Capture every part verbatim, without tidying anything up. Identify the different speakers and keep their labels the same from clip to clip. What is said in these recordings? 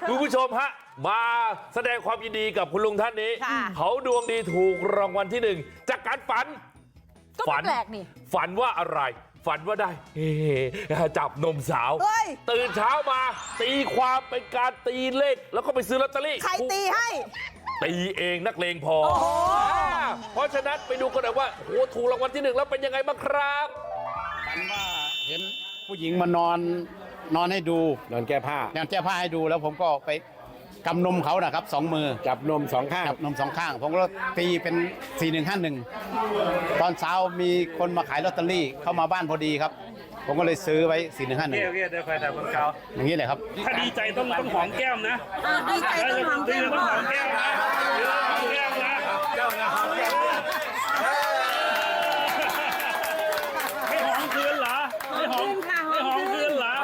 Speaker 1: คุณผู้ชมฮะมาแสดงความยินดีกับคุณลุงท่านนี้เขาดวงดีถูกรางวัลที่หนึ่งจากการฝัน
Speaker 2: ฝันแปลกนี่
Speaker 1: ฝันว่าอะไรฝันว่าได้เฮ้จับนมสาวตื่นเช้ามาตีความเป็นการตีเลขแล้วก็ไปซื้อลอตเตอรี่
Speaker 3: ใครตีให้
Speaker 1: ตีเองนักเลงพอเพราะฉะนั้นไปดูกันหน่อยว่าโอ้ถูกรางวัลที่หนึ่งแล้วเป็นยังไงบ้างครับ
Speaker 4: ฝันว่าเห็นผู้หญิงมานอนนอนให้ดู
Speaker 5: นอนแก้ผ้าน
Speaker 4: อนแก้ผ้าให้ดูแล้วผมก็ไปกำนมเขานะครับสองมือ
Speaker 5: จับนมสองข้าง
Speaker 4: จับนมสองข้างผมก็ตีเป็นสี่หนึ่งห้าหนึ่งตอนเช้ามีคนมาขายลอตเตอรี่เข้ามาบ้านพอดีครับผมก็เลยซื้อไว้สี่หนึ่งห้าหนึ่ง
Speaker 5: เรียกได้ใครแต่คนเขา
Speaker 4: อย่างนี้เลยครับ
Speaker 5: ถ้าดีใจต้องต้องหอมแก้มนะ
Speaker 3: ดีใจต้องหอมแก้ม
Speaker 5: ต้องหอมแก้มนะแก้มนะเจ้านะหอมแก้มไม่หอมคืนเหรอไม่หอมไม่หอมคืนเหรอ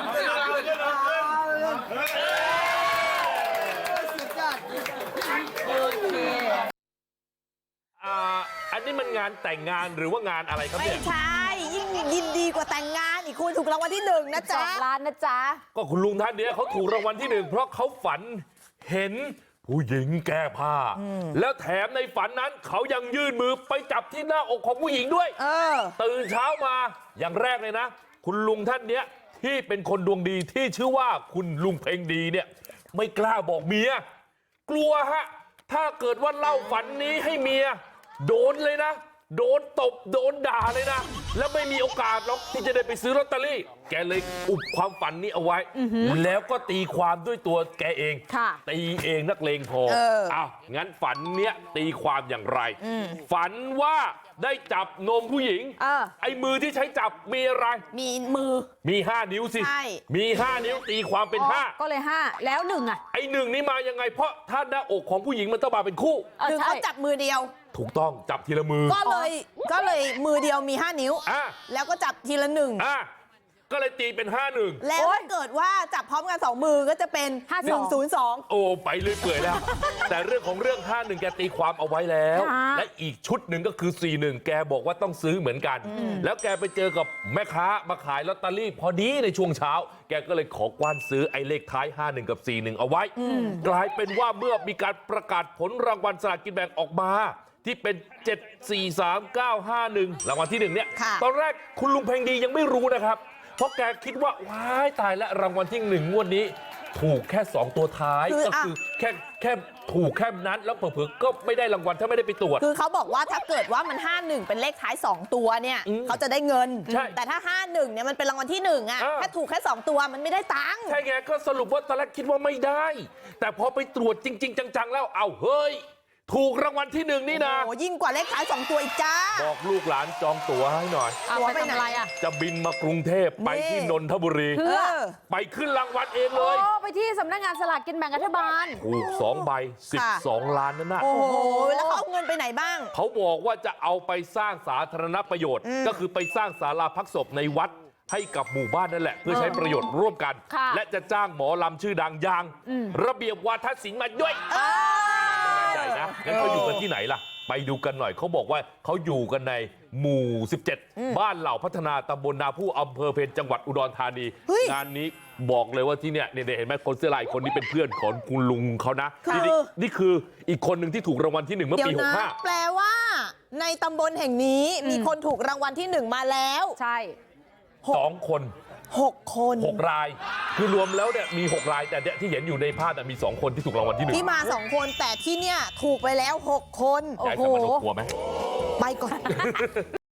Speaker 1: อันนี้มันงานแต่งงานหรือว่างานอะไรครับเนี่ย
Speaker 3: ไม่ใช่ยิ่งยินดีกว่าแต่งงานอีกคุณถูกรางวัลที่หนึ่งนะจ๊ะ
Speaker 2: สองล้านนะจ๊ะ
Speaker 1: ก็คุณลุงท่านนี้เขาถูกรางวัลที่หนึ่งเพราะเขาฝันเห็นผู้หญิงแก้ผ้าแล้วแถมในฝันนั้นเขายังยื่นมือไปจับที่หน้าอกของผู้หญิงด้วยตื่นเช้ามาอย่างแรกเลยนะคุณลุงท่านนี้ที่เป็นคนดวงดีที่ชื่อว่าคุณลุงเพ็งดีเนี่ยไม่กล้าบอกเมียกลัวฮะถ้าเกิดว่าเล่าฝันนี้ให้เมียโดนเลยนะโดนตบโดนด่าเลยนะแล้วไม่มีโอกาสหรอกที่จะได้ไปซื้อลอตเตอรี่แกเลยอุบความฝันนี้เอาไว้แล้วก็ตีความด้วยตัวแกเองตีเองนักเลงพออ้าวงั้นฝันเนี้ยตีความอย่างไรฝันว่าได้จับนมผู้หญิงไอ้มือที่ใช้จับมีอะไร
Speaker 3: มีมือ
Speaker 1: มีห้านิ้วสิมีห้านิ้วตีความเป็นห้า
Speaker 2: ก็เลยห้าแล้วหนึ่งอ่ะ
Speaker 1: ไอ้หนึ่งนี่มายังไงเพราะถ้าหน้าอกของผู้หญิงมันต้องมาเป็นคู่
Speaker 3: คือเขาจับมือเดียว
Speaker 1: ถูกต้องจับทีละมือ
Speaker 3: ก็เลยก็เลยมือเดียวมีห้านิ้วแล้วก็จับทีละหนึ่ง
Speaker 1: ก็เลยตีเป็นห้าหนึ่ง
Speaker 3: แล้วถ้าเกิดว่าจับพร้อมกันสองมือก็จะเป็นหนึ่งศูนย์สอง
Speaker 1: โอ้ไปเรื่อยเปื่อยแล้วแต่เรื่องของเรื่องห้าหนึ่งแกตีความเอาไว้แล้วและอีกชุดหนึ่งก็คือสี่หนึ่งแกบอกว่าต้องซื้อเหมือนกันแล้วแกไปเจอกับแม่ค้ามาขายลอตเตอรี่พอดีในช่วงเช้าแกก็เลยขอกว้านซื้อไอ้เลขท้ายห้าหนึ่งกับสี่หนึ่งเอาไว้กลายเป็นว่าเมื่อมีการประกาศผลรางวัลสลากกินแบ่งออกมาที่เป็นเจ็ด สี่ สาม เก้า ห้า หนึ่งรางวัลที่หนึ่งเนี่ยตอนแรกคุณลุงเพ็งดียังไม่รู้นะครับเพราะแกคิดว่าว้ายตายแล้วรางวัลที่หนึ่งงวดนี้ถูกแค่สองตัวท้ายก็คือแค่แค่ถูกแค่นั้นแล้วเผลอๆก็ไม่ได้รางวัลถ้าไม่ได้ไปตรวจ
Speaker 3: คือเขาบอกว่าถ้าเกิดว่ามันห้าหนึ่งเป็นเลขท้ายสองตัวเนี่ยเขาจะได้เงินแต่ถ้าห้าหนึ่งเนี่ยมันเป็นรางวัลที่หนึ่งอ่ะถ้าถูกแค่สองตัวมันไม่ได้ตังค์
Speaker 1: ใช่ไงก็สรุปว่าตอนแรกคิดว่าไม่ได้แต่พอไปตรวจจริงๆจังๆแล้วเอาเฮ้ยถูกรางวัลที่หนึ่งนี่นะ
Speaker 3: โอ้ยิ่งกว่าเลขท้ายสองตัวอีกจ้า
Speaker 1: บอกลูกหลานจองตั๋วให้หน่อย
Speaker 2: ตั๋วไปไหนอ่ะ
Speaker 1: จะบินมากรุงเทพไปที่นนทบุรี
Speaker 2: เพื่อ
Speaker 1: ไปขึ้นรางวัลเองเลย
Speaker 2: โอ้ไปที่สำนักงานสลากกินแบ่งรัฐบาล
Speaker 1: ถูกสองใบสิบสองล้านนั่นน่ะ
Speaker 3: โอ้โหแล้วเขาเอาเงินไปไหนบ้าง
Speaker 1: เขาบอกว่าจะเอาไปสร้างสาธารณประโยชน์ก็คือไปสร้างศาลาพักศพในวัดให้กับหมู่บ้านนั่นแหละเพื่อใช้ประโยชน์ร่วมกันและจะจ้างหมอลำชื่อดังอย่างระเบียบวาทศิลป์มาด้วยใหญ่นะงั้นเขาอยู่กันที่ไหนล่ะไปดูกันหน่อยเขาบอกว่าเขาอยู่กันในหมู่สิบเจ็ดบ้านเหล่าพัฒนาตำบลนาผู้อำเภอเพญจังหวัดอุดรธานีงานนี้บอกเลยว่าที่เนี่ยเนี่ยเห็นไหมคนเสื้อลายคนนี้เป็นเพื่อนของคุณลุงเขานะนี่นี่คืออีกคนหนึ่งที่ถูกรางวัลที่หนึ่งเมื่อปีหกห้า
Speaker 3: แปลว่าในตำบลแห่งนี้มีคนถูกรางวัลที่หนึ่งมาแล้ว
Speaker 2: ใช่
Speaker 1: สองคน
Speaker 3: หกคน
Speaker 1: หกรายคือรวมแล้วเนี่ยมีหกรายแต่เนี่ยที่เห็นอยู่ในภาพมีสองคนที่ถูกรางวัลที่หนึ่ง
Speaker 3: ที่มาสองคนแต่ที่เนี่ยถูกไปแล้วหกคน
Speaker 1: ยายสมานกลัวไหม
Speaker 3: ไปก่อน